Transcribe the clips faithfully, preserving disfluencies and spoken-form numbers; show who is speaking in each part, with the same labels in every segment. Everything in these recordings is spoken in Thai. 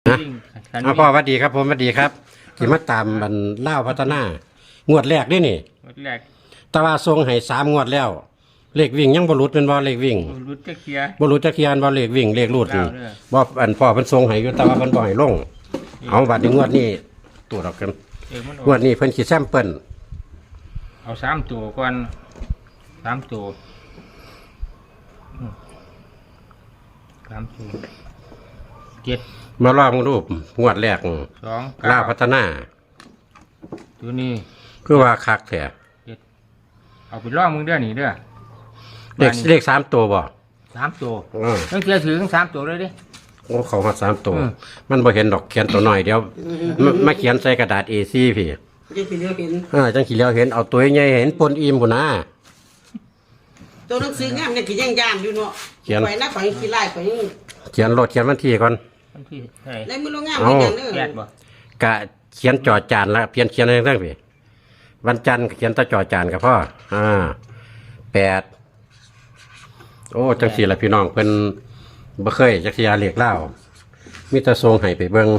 Speaker 1: นะอ่ะพ่อสวัสดีครับผมสวัสดีครับที่มาตามบันเล่าพัฒนางวดแรกนี่นี่
Speaker 2: งวดแรก
Speaker 1: แต่ว่าทรงให้สามงวดแล้วเลขวิ่งยังบรรลุเป็นบ่เลขวิ่ง
Speaker 2: รุดจะเคลียร์
Speaker 1: บรรลุจักเคียนบ่เลขวิ่งเลขรูดนี่
Speaker 2: แล้วเด้อ
Speaker 1: บ่อันพ่อเพิ่นทรงให้อยู่แต่ว่าเพิ่นบ่ให้ลงเอาบัดนี้งวดนี้ตัวดอกกัน
Speaker 2: เออมันออก
Speaker 1: งวดนี้เพิ่นสิแซมเปิ้ล
Speaker 2: เอาสามตัวก่อนสามตัวอืมสามตัวเจ็ด
Speaker 1: มาลองรูปงวดแรก
Speaker 2: สอง
Speaker 1: เล่า
Speaker 2: เก้า
Speaker 1: พัฒนา
Speaker 2: ตัวนี้
Speaker 1: คือว่าคักแท้
Speaker 2: เจ็ดเอาไปล่องมึงเด้อนี่เด้อ
Speaker 1: เลขเลขสามตัวบ่
Speaker 2: สามตัว
Speaker 1: อ้อ
Speaker 2: ต้องเสียถือทั้งสามตัวเลยดิ
Speaker 1: โอ้เขาฮอดสามตัว
Speaker 2: อืม
Speaker 1: มันบ่เห็นดอกเขียนตัวน้อยเดียวมามาเขียนใส่กระดาษ เอ สี่ พี่
Speaker 3: ยังสิเหลือเป็น
Speaker 1: อ่าจังขี้เหลียวเห็นเอาตัวใหญ่เห็นปนอิ่มพุ่นนะ
Speaker 3: ตัวหนังสืองามเนี่ยกี่ย่างย่านอยู่เนาะ
Speaker 1: เขียน
Speaker 3: ไปนะไปขี้ไล่ไปยัง
Speaker 1: เขียนรถเขียนวันที่ก่อน
Speaker 2: มันที่ไหน
Speaker 3: ในมือเรางาม
Speaker 1: เอา
Speaker 3: ไปอย่างเด้อ
Speaker 2: แปดบ่
Speaker 1: กะเขียนจอจานละเพียนเขียนอะไรต่างๆพี่วันจันทร์ก็เขียนแตะจอจานกับพ่ออ่าแปดโอ้จังสี่ละพี่น้องเพิ่นบ่เคยจักสิยาเรียกเล่ามีแต่ทรงให้ไปเบิ่ง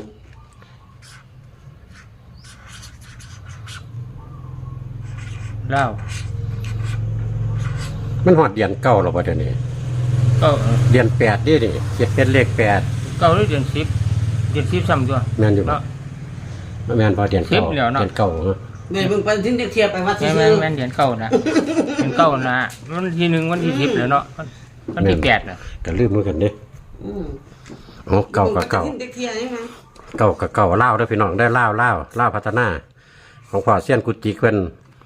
Speaker 2: เล่า
Speaker 1: มันฮอดเดือนเก้าแล้วบ่เดี๋ยวนี้
Speaker 2: เก้า
Speaker 1: เดือนแปดนี่นี่เขียนเป็นเลขแปด
Speaker 2: เก้าหรือเดือนสิบเดือนสิบซ้ำตัว
Speaker 1: แม่นอยู่บ่
Speaker 2: เนาะ
Speaker 1: แม่นพอเดือนเก้า
Speaker 2: สิบแล้วเนาะ
Speaker 1: เดือนเก้าเนอะ
Speaker 3: เดี๋ยวเบิ่งไปถึงเทียบไปว่าสิ
Speaker 2: แม่น
Speaker 3: ซื้
Speaker 2: แม่
Speaker 3: อน
Speaker 2: แม่นเดือนเก้านะเดือนเก้านะวันที่หนึ่งวันที่สิบแล้วเนาะวันวันที่แปดนะ
Speaker 1: ก็ลืมเหมือนกันเด้
Speaker 3: อืม
Speaker 1: โอ้เก่ากับเก่า
Speaker 3: บิ่งไปถึงเทียบใช่ไหม
Speaker 1: เก่ากับเก่าเล่าวเด้อพี่น้องได้เล่าวเล่าวเล่าวพัฒนา ของพ่อเซียนกุจิเพิ่น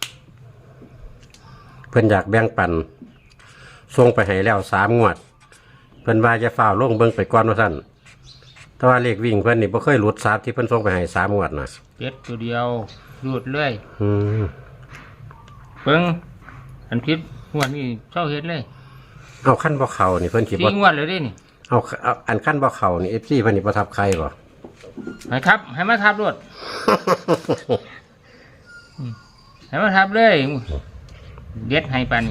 Speaker 1: เพิ่นอยากแบ่งปันส่งไปให้แล้วสามงวด เพิ่นว่าจะฝ้าวลงเบิ่งไปก่อนว่าซั่นแต่ว่าเลขวิ่งเพิ่นนี่บ่เคยหลุดสามที่เพิ่นส่งไปให้สามงวดน่ะ
Speaker 2: เจ็ดตัวเดียวรูดเลย
Speaker 1: อืม
Speaker 2: เพิ่งอันพิษงวดนี่เช่าเฮ็ดเลย
Speaker 1: เอาขั้นบ่เข้านี่เพิ่นสิ
Speaker 2: สี่
Speaker 1: บ่
Speaker 2: งวดเลยเด้นี่
Speaker 1: เอาเอาอันขั้นบ่เข้านี่ เอฟ ซี เพิ่นนี่บ่ทับใครบ่
Speaker 2: ให้ครับ ให้มาทับรถให้มาทับเลยเด็ดให้ปานนี้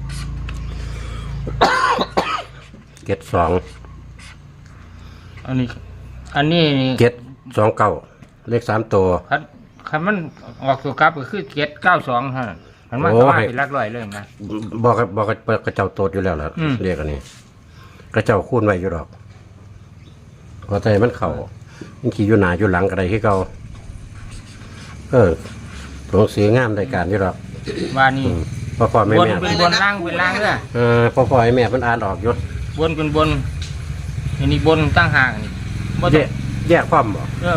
Speaker 1: เจ็ดสอง
Speaker 2: อันนี้ อันนี้นี่
Speaker 1: เจ็ดสองเก้าเลขสามตัว
Speaker 2: คันคันมันออกตัวกลับก็คือเจ็ดเก้าสองฮะมันมา
Speaker 1: โอ้
Speaker 2: สมา
Speaker 1: ให้
Speaker 2: เป็นหลักร้อยเลยนะ
Speaker 1: บอกกับบอกกับกระเจ้าโตดอยู่แล้วล่ะ
Speaker 2: อืม
Speaker 1: เรียกอันนี้กระเจ้าคูณไว้อยู่ดอกพอใจมันเข่ามันขี่อยู่หนาอยู่หลังกระไดที่เก่าเออหลวงสืองามรายการอยู่ดอก
Speaker 2: ว่านี่
Speaker 1: อืมพ่อพ่อแม่
Speaker 2: บน
Speaker 1: แม่
Speaker 2: เป็นบนล่างเป็นล่างเด้อ
Speaker 1: เออพ่อพ่อให้แม่เพิ่นอ่านออกอยู่
Speaker 2: บนเป็นบนอันนี้บนตั้งห่างนี่บ่
Speaker 1: แย
Speaker 2: ต้อง
Speaker 1: กแยกความบ่
Speaker 2: เออ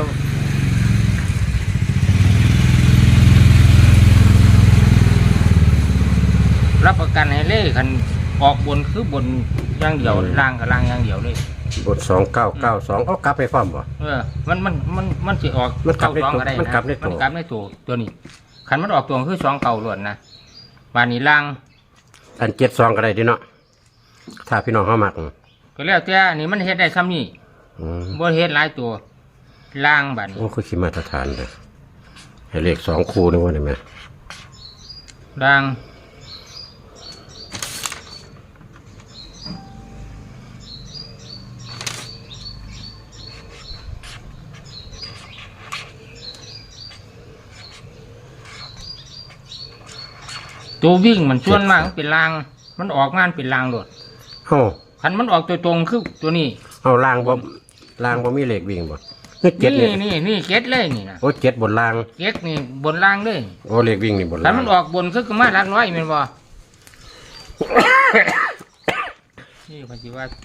Speaker 2: รับประกันให้เลยคันออกบนคือบนอย่างเดียวล่างกับล่างอย่างเดียวเลย
Speaker 1: บทสองเก้าเก้าสองเอากลับไปความบ่
Speaker 2: เออ มันมันมันมันสิออก
Speaker 1: มันกลับ
Speaker 2: เก้าสอง
Speaker 1: ได้ตัว
Speaker 2: ก็ได้นะ
Speaker 1: มันกลับได้ตัว
Speaker 2: มันกลับได้ตัวตัวนี้คันมันออกตัวคือสองเก่าล้วนนะบานนี้ล่าง
Speaker 1: อันเจ็ดสองก็ได้ดิเนาะถ้าพี่น้องเขามัก
Speaker 2: ก็แล้วแต่อันนี้มันเฮ็ดได้ซ้ำนี่
Speaker 1: อืม
Speaker 2: บ่เฮ็ดหลายตัวล่างบานนี้
Speaker 1: โอ้คือขีมาตรฐานเลยให้เลขสองคู่นี่ว่าได้ไหม
Speaker 2: ล่างตัววิ่งมันส่วนมากมันเป็นล่าง มันออกงานเป็นล่างโลด
Speaker 1: เอ้า
Speaker 2: คันมันออกตัวตรงคือตัวนี้
Speaker 1: เอาล่างบ่ล่างบ่มีเลขวิ่งบ่นี่เจ็ด
Speaker 2: นี่
Speaker 1: นี่
Speaker 2: นี่นี่เก็ดเลยนี่นะ
Speaker 1: โอ้เจ็ดบนล่าง
Speaker 2: เก็ดนี่บนล่างเลย
Speaker 1: โอ้เลขวิ่งนี่บน
Speaker 2: คั
Speaker 1: ล่าน ง
Speaker 2: มันออกบนคือก็มาหลักร้อยแม่นบ่ นี่พันธิว่า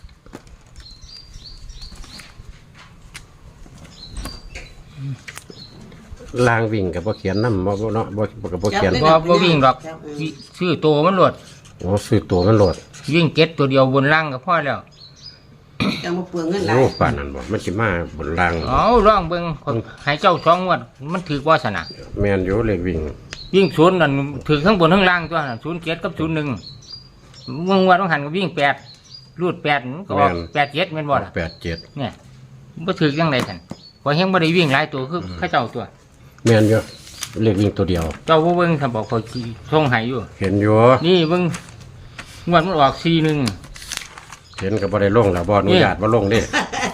Speaker 1: ล่างวิ่งกับบ่เขียนนำบ่บ่เนาะบ่บ่กับบ่เขียน
Speaker 2: บ่บ่วิ่งดอกวิชื่อโตมันโลด
Speaker 1: โอ้ซื้อตัวมันโหลด
Speaker 2: วิ่งเก็ดตัวเดียวบนล่างก็พอแล้ว
Speaker 3: จังบ่เปลืองเงินหลาย
Speaker 1: โอ้ป่านนั้นบ่มันสิมาบนล่าง
Speaker 2: เอาลองเบิ่งให้เจ้าสองงวดมันถือว่าสนะ
Speaker 1: แม่นอยู่เลขวิ่ง
Speaker 2: วิ่งศูนย์นั่นถือทั้งบนทั้งล่างตัวนั่นศูนย์เจ็ดกับศูนย์หนึ่งงวดต้องหันก็วิ่งแปดรูดแปดมันก็ออกแปดเจ็ดแม่นบ่ล่ะ
Speaker 1: แปดเจ็ด
Speaker 2: เนี่ยบ่ถือจังไดซั่นพอเฮงบ่ได้วิ่งหลายตัวคือเขาเจ้าตัว
Speaker 1: แม่นอยู่เลขวิ่งตัวเดียว
Speaker 2: เจ้าบ่เบิ่งถ้าบอกเขาสิส่งให้อยู่
Speaker 1: เห็นอยู่
Speaker 2: นี่เบิ่งงวดมันออกสี่หนึ่ง
Speaker 1: เห็นก็บ่ได้ลงแล้วบ่อนุญาตบ่ลงเด้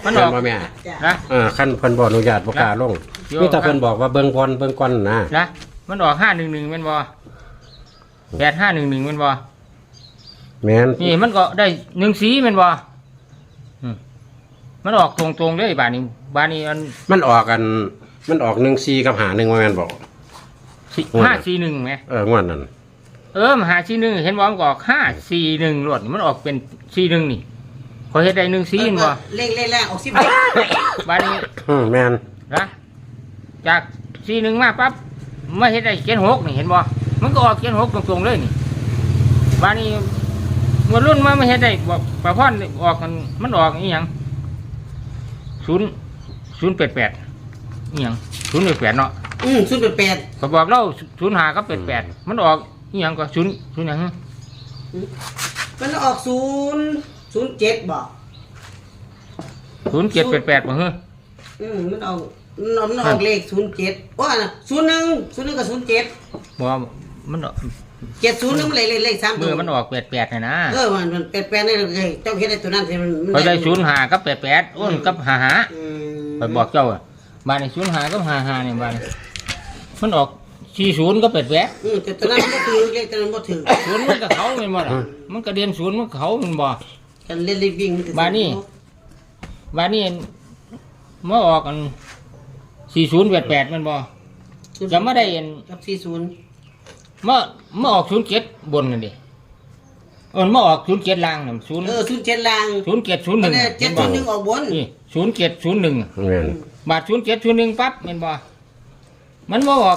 Speaker 2: มันออก
Speaker 1: แม่นบ่แม่
Speaker 3: จ้ะ
Speaker 2: นะ
Speaker 1: อ่าคันเพิ่นบ่อนุญาตบ่กล้าลง
Speaker 2: โย่
Speaker 1: มีแต่เพิ่นบอกว่าเบิ่งก่อนเบิ่งก่อนนะ
Speaker 2: นะมันออกห้าหนึ่งหนึ่งเป็นบอแปดห้าหนึ่งหนึ่งเป็นบอ
Speaker 1: แม่น
Speaker 2: นี่มันก็ได้หนึ่งสีเป็นบอมมันออกตรงๆเลยบานนี้บานนี้อัน
Speaker 1: มันออกกัน มันออกหนึ่งสี่กับหาหนึ่งว่าแม่นบอก
Speaker 2: สี่
Speaker 1: โอ้ย
Speaker 2: ห้าสี่หนึ่งไหม
Speaker 1: เอองวดนั้น
Speaker 2: เออมหาสี่หนึ่งเห็นบอมันก็ออกห้าสี่หนึ่งรวดมันออกเป็นสี่หนึ่งนี่พอเห็นได้หนึ่งสีเป็นบอ
Speaker 3: เล่งเล่งแรงออกสิบ
Speaker 2: บานนี้
Speaker 1: อืมแม่น
Speaker 2: นะจากสี่หนึ่งมาปั๊บมาเห็นได้เขียนหกนี่เห็นบอมันก็ออกเขียนหกตรงๆเลยนี่บานนี้เมื่อรุ่นมาไม่เห็นได้บอกประพอนออกมันมันออกอีหยังศูนย์ศูนย์แปดแปดอีหยังศูนย์แปดแปดเนาะ
Speaker 3: อืมศูนย์แปดแปด
Speaker 2: เขาบอกเล่าศูนย์หาก็แปดแปดมันออกอีหยังก็ศูนย์ศูนย์หยัง
Speaker 3: มันออกศูนย์ศูนย์เจ็ดบอก
Speaker 2: ศูนย์เจ็ดแปดแปดบ่เฮ้อ
Speaker 3: อืมมันออกมันออกเลขศูนย์เจ็ดว่าศูนย์หนึ่งศูนย์หนึ่งกับศูนย์เจ็ด
Speaker 2: บอกว่ามันออก
Speaker 3: เจ็ดศูนย์นึงมันเลขเลขเลขสามตั
Speaker 2: เมื่
Speaker 3: ว
Speaker 2: อมันออกแปดแปดนะนะ
Speaker 3: เออมันมันแปดแปดนี่เลยเจ้าเห็นได้ตัวนั้นสิมันมัน
Speaker 2: เขาได้ศูนย์หาก็แปดแปดอ้นกับหาหา
Speaker 3: อืม
Speaker 2: ไปบอกเจ้าอะบ้านในศูนย์หาก็หาหาเนี่ยบ้านมันออกสี่ศูนย์ก็แปดแปด
Speaker 3: อืมแต่ตัวนั้นมันบ่ถือเลขตัวนั้นบ่ถือ
Speaker 2: ศูนย์มันก็เขาเป็นบ่ล่ะมันก็เรียนศูนย์มันก็เขาเป็นบ่
Speaker 3: กันเล่นเลขวิ่งมันถือ
Speaker 2: บ้านนี้ บ้านนี้เมื่อออกกันสี่ศูนย์แปดแปดมันบ่จะไม่ได้เห็น
Speaker 3: กับสี่ศูนย์
Speaker 2: เมื่อเมื่อออกศูนย์เจ็ดบนนั่นดิเออเมื่อออกศูนย์เจ็ดล่างน่ะศูนย์
Speaker 3: เออศูนย์เจ็ดลาง
Speaker 2: ศูนย์เจ็ดศูนย์หนึ่ง
Speaker 3: เจ็ดศูนย์หนึ่งออกบน
Speaker 2: นี่ศูนย์เจ็ดศูนย์หนึ่ง
Speaker 1: แม่น
Speaker 2: บาทศูนย์เจ็ดศูนย์หนึ่งปั๊บแมันบ่มันบ่ออก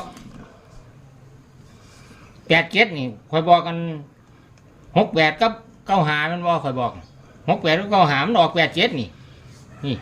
Speaker 2: แปดเจ็ดนี่คอยบอกกันหกแปดกับเก้าหามันบ่คอยบอกหกแปดกับเก้าหามันออกแปดเจ็ดนี่ นี่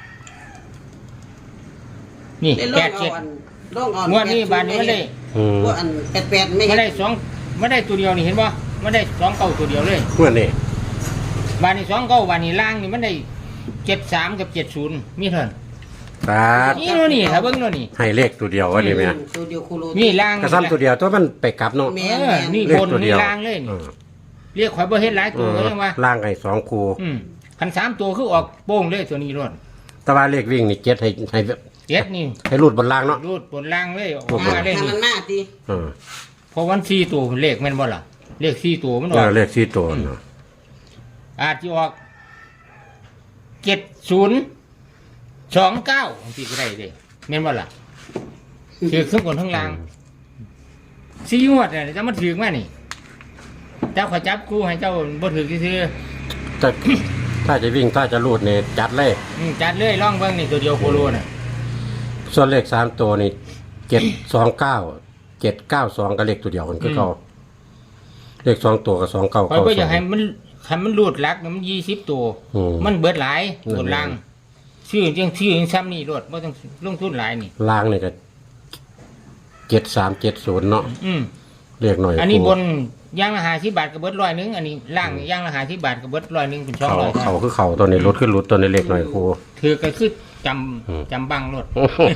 Speaker 2: นี่
Speaker 3: เล่นล
Speaker 2: แป
Speaker 3: ง
Speaker 2: ด
Speaker 3: เอา
Speaker 2: เจ็ด
Speaker 3: อันลงเอา
Speaker 2: งวดนี้บานนี้มันได้
Speaker 1: อืม
Speaker 3: ว่าอันแปดแปดไม่
Speaker 2: ไม่
Speaker 3: เห็น
Speaker 2: ได้สองไม่ได้ตัวเดียวนี่เห็นบ่ไม่ได้สองเก้าตัวเดียวเลย
Speaker 1: งวดนี้
Speaker 2: บานนี้สองเก้าบานนี้ล่างนี่มันได้เจ็ดสามกับเจ็ดศูนย์มีเท่านั้น
Speaker 1: ตาด
Speaker 2: นี่โน่นนี่ถ้าเบิ่งโน่นนี่
Speaker 1: ให้เลขตัวเดียวว่านี่แม่
Speaker 3: ตัวเดียวคูโร
Speaker 2: นี่ล่าง
Speaker 1: กระซ้ำตัวเดียวตัวมันไปกลับเนาะ
Speaker 3: แม่
Speaker 2: เออนี่
Speaker 1: เลข
Speaker 2: บน
Speaker 1: ตัวเดี
Speaker 2: นี่
Speaker 1: ยว
Speaker 2: ล่างเลยนี่
Speaker 1: อืม
Speaker 2: เรียกข่อยบ่เฮ็ดหลายตัวก็ยังว่า
Speaker 1: ล่างให้สองคู
Speaker 2: อืมคันสามตัวคือออกโป้งเลยตัวนี้รอด
Speaker 1: แต่ว่าเลขวิ่งนี่เจ็ดให้ให้
Speaker 2: เจ็ดนี่
Speaker 1: ให้รูดบนล่างเนาะ
Speaker 2: รูดบนล่างเลยออก
Speaker 1: โอ้โห
Speaker 2: มาเลย
Speaker 3: ถ้า
Speaker 2: นี่
Speaker 3: มันมาตี
Speaker 1: อืม
Speaker 2: เพราะวันสี่ตัวเลขแม่นบ่ล่ะเลขสี่ตัวมันอ
Speaker 1: เอ
Speaker 2: อก
Speaker 1: อเลขสี่ตัวเนาะ
Speaker 2: อาจจะออกเจ็ดศูนย์สองเก้าที่ก็ได้เด้แม่นบ่ล่ะถือทั้งบนทั้งล่างสี่งวดเนี่ยจะมาถือมานี่เจ้าขอจับกูให้เจ้าบ่ถือซื่อ
Speaker 1: จะถ้าจะวิ่งถ้าจะรูดนี่จัดเลย
Speaker 2: ๆอืมจัดเลยล่องเบิ่งนี่ตัวเดียวโคโลน่ะ
Speaker 1: ส่วนเลขสามตัวนี่เจ็ดสองเก้าเจ็ดเก้าสองกับเลขตัวเดียวกันคือเขาเลขสองตัวกับสองเก้า
Speaker 2: ข่อย
Speaker 1: เก้า
Speaker 2: บ่อ
Speaker 1: ส
Speaker 2: ยา
Speaker 1: อก ง
Speaker 2: ให้มันให้มันรูดหลักนะมันยี่สิบตัว
Speaker 1: อืม
Speaker 2: มันเบิดหลาย
Speaker 1: อืม
Speaker 2: บนล่างชื่อจังชื่อจังซ้ำนี่รถบ่ต้องลงทุนหลายนี่
Speaker 1: ล่างนี่ก็เจ็ดสามเจ็ดศูนย์เนาะ
Speaker 2: อืม
Speaker 1: เรียกหน่อย
Speaker 2: อันนี้
Speaker 1: ครู
Speaker 2: บนย่างละห้าสิบบาทก็เบิดร้อยหนึงอันนี้ล่างย่างละห้าสิบบาทก็เบิดร้อยหนึงเป็นสอง
Speaker 1: เขา
Speaker 2: ร้อย
Speaker 1: เขาคือเขาตัวนี้รถขึ้นรถตัวนี้เล็กหน่อยครู
Speaker 2: ถือก็คือจ
Speaker 1: อืม
Speaker 2: ำจำบังรถ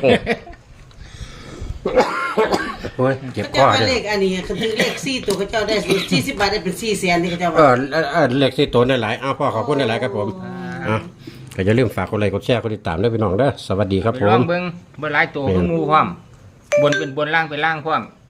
Speaker 1: โอ้ยเจ็บ
Speaker 3: เขา
Speaker 1: ค
Speaker 3: เจ้า
Speaker 1: อ
Speaker 3: ว่า
Speaker 1: เนี่
Speaker 3: เลย ขอันนี้เขาถือเลขสี่ตัวเขาเจ้าได้สี่สิบบาทได้เป็นสี่แสนที่เขาเจ้า
Speaker 1: เอ
Speaker 3: ว่า
Speaker 1: อเออเออเลขสี่ตัวได้หลายอ้าวพ่อขอบคุณได้หลายครับผมอ่ะก็อย่าลืมฝากกดไลค์กดแชร์กดติดตามด้วยพี่น้องเด้อสวัสดีครับ
Speaker 2: ไป
Speaker 1: ผ
Speaker 2: ลอ
Speaker 1: ม
Speaker 2: งเบิ่งเบิดหลายตัวคือหมูพร้อมบนเป็นบนล่างเป็นล่างพร้อม